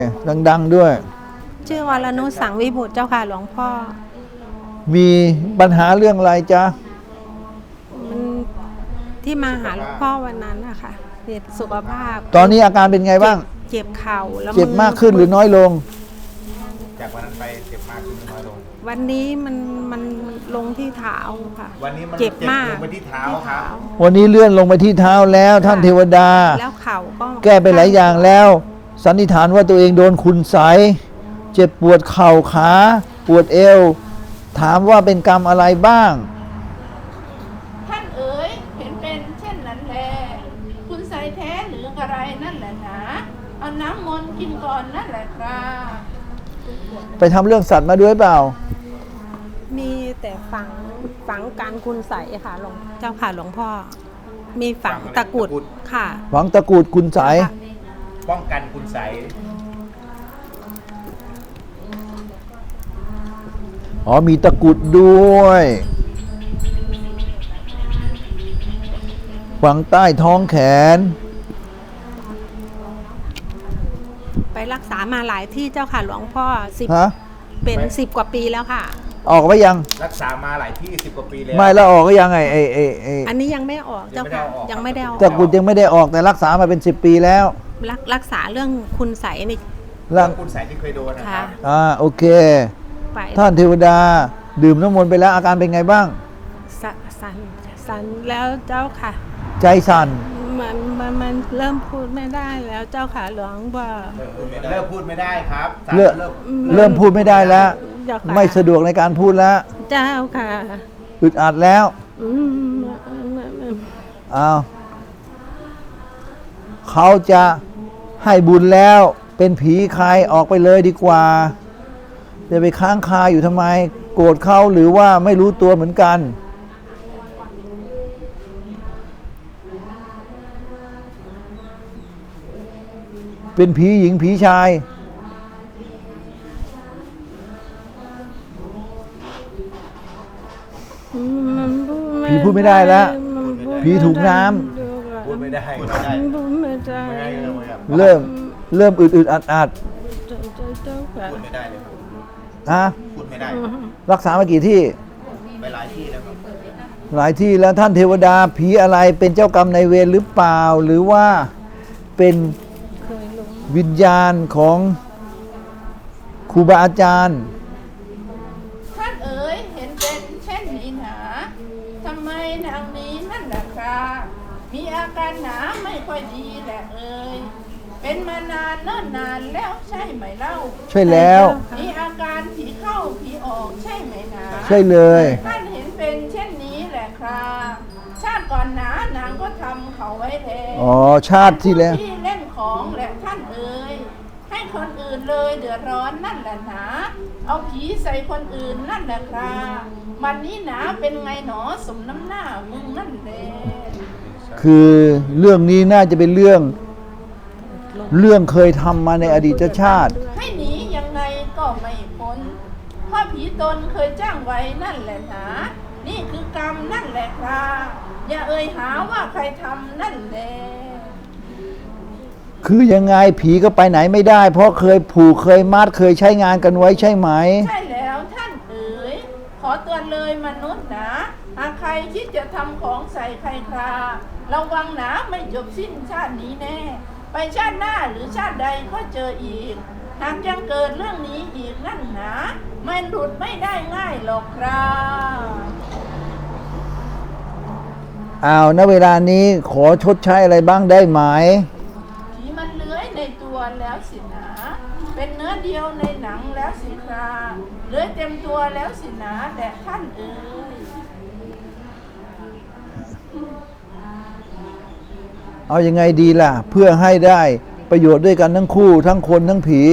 ดังๆด้วยชื่อวรนุชสังวิบุตรเจ้าค่ะหลวงพ่อมีปัญหาเรื่องอะไรจ๊ะมันที่มาหาหลวงพ่อวันนั้นนะคะเกี่ยวกับสุขภาพตอนนี้อาการเป็นไงบ้างเจ็บเข่าแล้วเจ็บมากขึ้นหรือน้อยลงจากวันนั้นไปเจ็บมากขึ้นหรือน้อยลงวันนี้มันลงที่เท้าค่ะวันนี้มันเจ็บมากลงไปที่เท้าครับวันนี้เลื่อนลงไปที่เท้าแล้วท่านเทวดาแล้วเข่าก็แก้ไปหลายอย่างแล้วสันนิษฐานว่าตัวเองโดนคุณไสยเจ็บปวดเข่าขาปวดเอวถามว่าเป็นกรรมอะไรบ้างท่านเอ๋ยเห็นเป็นเช่นนั้นแลคุณไสยแท้หรืออะไรนั่นแหละหนาเอาน้ำมนต์กินก่อนนั่นแหละครับไปทำเรื่องสัตว์มาด้วยเปล่ามีแต่ฝังการคุณใสค่ะหลวงเจ้าค่ะหลวงพ่อมีฝังตะกุดค่ะฝังตะกุดคุณไสยป้องกันคุณไสยอ๋อมีตะกุดด้วยฝังใต้ท้องแขนไปรักษามาหลายที่เจ้าค่ะหลวงพ่อเป็น10 กว่าปีแล้วค่ะออกไปยังรักษามาหลายที่10 กว่าปีแล้วไม่แล้วออกก็ยังไงอันนี้ยังไม่ออกเจ้าค่ะยังไม่ได้ออกตะกุดยังไม่ได้ออกแต่รักษามาเป็น10 ปีแล้วรักษาเรื่องคุณไสยนี่เรื่องคุณไสยที่เคยโดนนะครับโอเคท่านเทวดาดื่มน้ำมนต์ไปแล้วอาการเป็นไงบ้างสั่นแล้วเจ้าค่ะใจสั่นมันเริ่มพูดไม่ได้แล้วเจ้าค่ะหลวงพ่อเริ่มพูดไม่ได้ครับเริ่มพูดไม่ได้แล้วไม่สะดวกในการพูดแล้วเจ้าค่ะอึดอัดแล้วเขาจะให้บุญแล้วเป็นผีใครออกไปเลยดีกว่าจะไปค้างคาอยู่ทำไมโกรธเขาหรือว่าไม่รู้ตัวเหมือนกันเป็นผีหญิงผีชายผีพูดไม่ได้แล้วผีถูกน้ำพูดไม่ได้เริ่มอึดอัดพูดไม่ได้เลยพูดไม่ได้รักษามากี่ที่ไปหลายที่แล้วครับหลายที่แล้วท่านเทวดาผีอะไรเป็นเจ้ากรรมนายเวรหรือเปล่าหรือว่าเป็นวิญญาณของครูบาอาจารย์ท่านเอ๋ยเห็นเป็นเช่นนี้หนาทำไมนางนี้นั่นแหละครับมีอาการหนาไม่ค่อยดีแหละเอ๋ยเป็นมานานเนิ่นนานแล้วใช่ไหมเล่าใช่แล้วมีอาการผีเข้าผีออกใช่ไหมหนาใช่เลยท่านเห็นเป็นเช่นนี้แหละครับชาติก่อนหนานางก็ทำเขาไว้แล้วชาติที่แล้วที่เล่นของแหละท่านเอ๋ยให้คนอื่นเลยเดือดร้อนนั่นแหละหนาเอาผีใส่คนอื่นนั่นแหละครับวันนี้หนาเป็นไงหนอสมน้ำหน้ามึงนั่นแหละคือเรื่องนี้น่าจะเป็นเรื่องเคยทำมาในอดีตชาติให้หนียังไงก็ไม่พ้นเพราะผีตนเคยจ้างไว้นั่นแหละหนานี่คือกรรมนั่นแหละครับอย่าเอ่ยหาว่าใครทำนั่นแหละคือยังไงผีก็ไปไหนไม่ได้เพราะเคยผูกเคยมัดเคยใช้งานกันไว้ใช่ไหมใช่แล้วท่านเอ๋ยขอเตือนเลยมนุษย์นะหากใครคิดจะทำของใส่ใครคราระวังนะไม่จบสิ้นชาตินี้แน่ไปชาติหน้าหรือชาติใดก็เจออีกหากยังเกิดเรื่องนี้อีกนั่นนะมันหลุดไม่ได้ง่ายหรอกครับณเวลานี้ขอชดใช้อะไรบ้างได้ไหมผีมันเลื้อยในตัวแล้วสินะเป็นเนื้อเดียวในหนังแล้วสิคราเลื้อยเต็มตัวแล้วสินะแต่ท่านเอ๋ยเอายังไงดีล่ะเพื่อให้ได้ประโยชน์ด้วยกันทั้งคู่ทั้งคนทั้งผี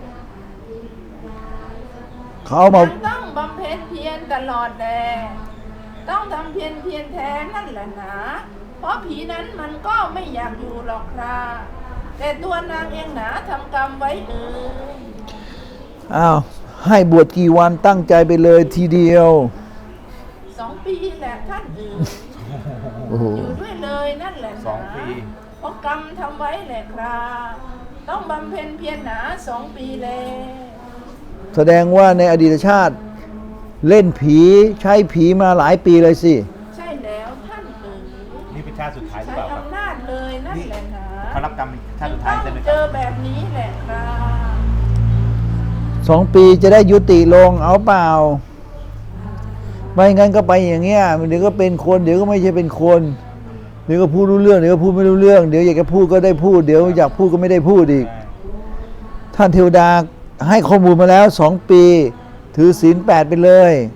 เขามาต้องบำเพ็ญเพียรตลอดแลต้องทำเพียรแท้นั่นแหละนะเพราะผีนั้นมันก็ไม่อยากอยู่หรอกครับแต่ตัวนางเองหนาทำกรรมไว้ให้บวชกี่วันตั้งใจไปเลยทีเดียว 2 ปีแหละท่านอยู่ด้วยเลยนั่นแหละนะ 2 ปีเพราะกรรมทำไว้แหละครับต้องบำเพ็ญเพียรหนา2 ปีแลแสดงว่าในอดีตชาติเล่นผีใช้ผีมาหลายปีเลยสิใช่แล้วท่านเอ๋ยนี่เป็นชาติสุดท้ายหรือใช้เปล่าครับอำนาจเลยนั่นแหละนะเขารับกรรมเป็นชาติสุดท้ายใช่ไหมคเจรับอแบบนี้แหละครับ 2 ปีจะได้ยุติลงเอาเปล่า ไม่งั้นก็ไปอย่างเงี้ยเดี๋ยวก็เป็นคนเดี๋ยวก็ไม่ใช่เป็นคนเดี๋ยวก็พูดรู้เรื่องเดี๋ยวก็พูดไม่รู้เรื่องเดี๋ยวอยากจะพูดก็ได้พูดเดี๋ยวอยากพูดก็ไม่ได้พูดอีก ท่านเทวดาให้ข้อมูลมาแล้ว2 ปีถือศีล 8ไปเลย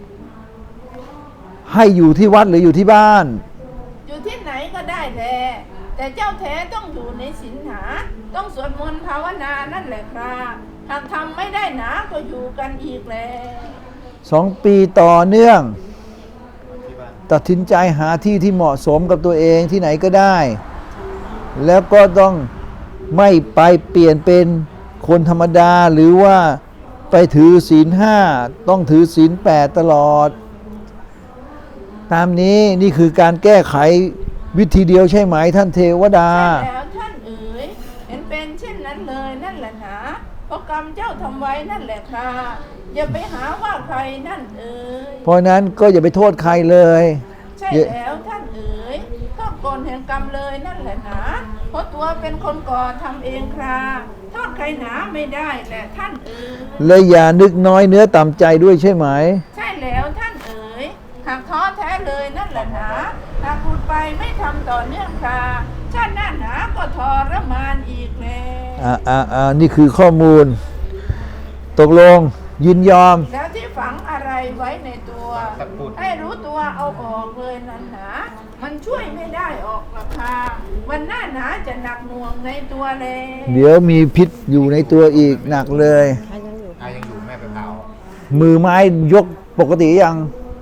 ให้อยู่ที่วัดหรืออยู่ที่บ้านอยู่ที่ไหนก็ได้แหละแต่เจ้าแท้ต้องอยู่ในศีลหาต้องสวดมนต์ภาวนานั่นแหละครับหากทำไม่ได้หนาก็อยู่กันอีกแล้ว 2 ปีต่อเนื่องที่บ้านตัดสินใจหาที่ที่เหมาะสมกับตัวเองที่ไหนก็ได้ แล้วก็ต้องไม่ไปเปลี่ยนเป็นคนธรรมดาหรือว่าไปถือศีล 5ต้องถือศีล 8ตลอด ตามนี้นี่คือการแก้ไขวิธีเดียวใช่ไหมท่านเทวดาใช่แล้วท่านเอ๋ยเห็นเป็นเช่นนั้นเลยนั่นแหละนะเพราะกรรมเจ้าทำไว้นั่นแหละครับอย่าไปหาว่าใครนั่นเอ๋ยเพราะฉะนั้นก็อย่าไปโทษใครเลยใช่แล้วท่านเอ๋ยโทษกลแห่งกรรมเลยนั่นแหละนะเพราะตัวเป็นคนก่อทำเองครับโทษใครหนาไม่ได้แหละท่านเอ๋ยและอย่านึกน้อยเนื้อต่ำใจด้วยใช่ไหมใช่แล้วท่านเอ๋ยหากท้อแท้เลยนั่นแหละนะหากพูดไปไม่ทำต่อเนื่องค่ะชาติหน้าหนาก็ทรมานอีกแล้วนี่คือข้อมูล ตกลงยินยอมแล้วที่ฝังอะไรไว้ในตัวตะกรุดให้รู้ตัวเอาออกเลยนั่นหนามันช่วยไม่ได้ออกหรอกค่ะวันหน้าหนาจะหนักหน่วงในตัวเลยเดี๋ยวมีพิษอยู่ในตัวอีกหนักเลยยังอยู่แม่ไปเผามือไม้ยกปกติยัง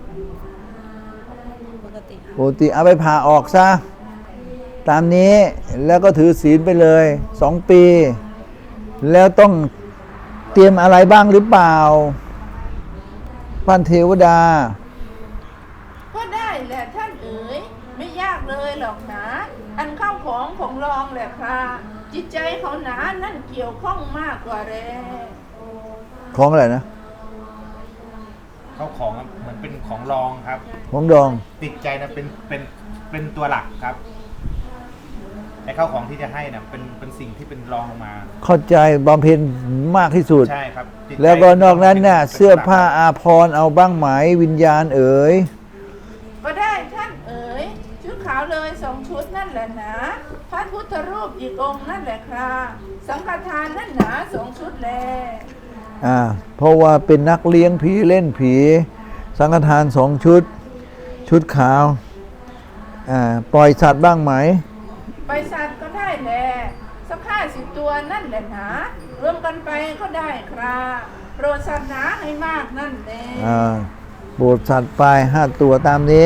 ปกติปกติเอาไปผ่าออกซะ ตามนี้แล้วก็ถือศีลไปเลย2 ปี แล้วต้องเตรียมอะไรบ้างหรือเปล่าท่านเทวดาก็ได้แหละท่านเอ๋ยไม่ยากเลยหรอกนะ อันเข้าของรองแหละค่ะจิตใจเขาหนานั่นเกี่ยวข้องมากกว่าแรของอะไรนะเขาของเหมือนเป็นของรองครับของดองติดใจนะเป็นตัวหลักครับไอ้ข้าวของที่จะให้นะเป็นสิ่งที่เป็นรองลงมาเข้าใจบำเพ็ญมากที่สุดใช่ครับจิตใจแล้วก็นอกนั้นน่ะป็เสื้อผ้าหลักอาภรณ์เอาบ้างไหมวิญญาณเอ๋ยก็ได้ท่านเอ๋ยชุดขาวเลย2 ชุดนั่นแหละนะพระพุทธรูปอีกองค์นั่นแหละครับสังฆทานนั่นหนา2 ชุดแลเพราะว่าเป็นนักเลี้ยงผีเล่นผี สังฆทาน2 ชุด ชุดขาวปล่อยสัตว์บ้างไหมไปสัตว์ก็ได้แหละสัก50 ตัวนั่นแหละนะรวมกันไปก็ได้ครับโปรดสัตว์หนาให้มากนั่นแหละโบสถ์สัตว์ไป5 ตัวตามนี้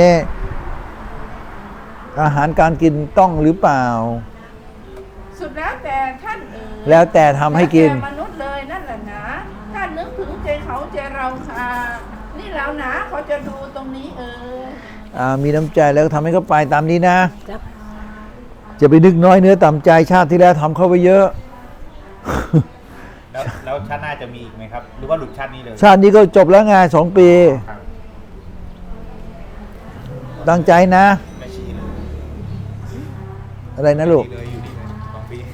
อาหารการกินต้องหรือเปล่าสุดแล้วแต่ท่านเอ๋ยแล้วแต่ทำให้กินแล้วแต่มนุษย์เลยนั่นแหละนะถ้านึกถึงใจเขาใจเราค่ะนี่แล้วนะเขาจะดูตรงนี้เอ๋ยมีน้ำใจแล้วก็ทำให้เขาไปตามนี้นะจ้ะจะไปนึกน้อยเนื้อต่ำใจชาติที่แล้วทำเข้าไปเยอะแล้วชาติหน้าจะมีอีกไหมครับ หรือว่าหลุดชาตินี้เลยชาตินี้ก็จบแล้วไง2 ปีครับตั้งใจนะไม่ชี้เลยอะไรนะลูกเลยอยู่นี่เลย2 ปี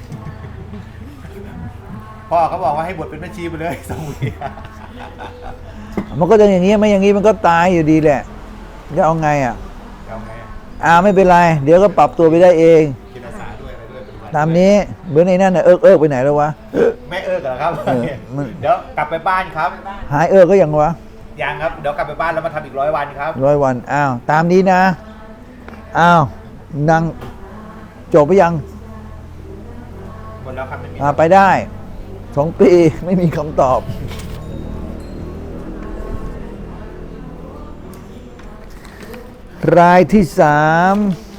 พ่อเขาบอกว่าให้บวชเป็นแม่ชีไปเลย2 ปีมันก็จะอย่างนี้ไม่อย่างนี้มันก็ตายอยู่ดีแหละจะเอาไงเอาไงไม่เป็นไร เดี๋ยวก็ปรับตัวไปได้เองกินอาสาด้วยอะไรด้วยตามนี้เบอร์ในนั่นน่ะเอิกไปไหนแล้ววะไม่เอิกเหรอครับมันเดี๋ยวกลับไปบ้านครับหายก็ยังวะยังครับ เดี๋ยวกลับไปบ้านแล้วมาทำอีก100 วันครับ 100 วันตามนี้นะนางจบไปยังหมดแล้วครับไม่มีไปได้2 ปีไม่มีคำตอบ รายที่ 3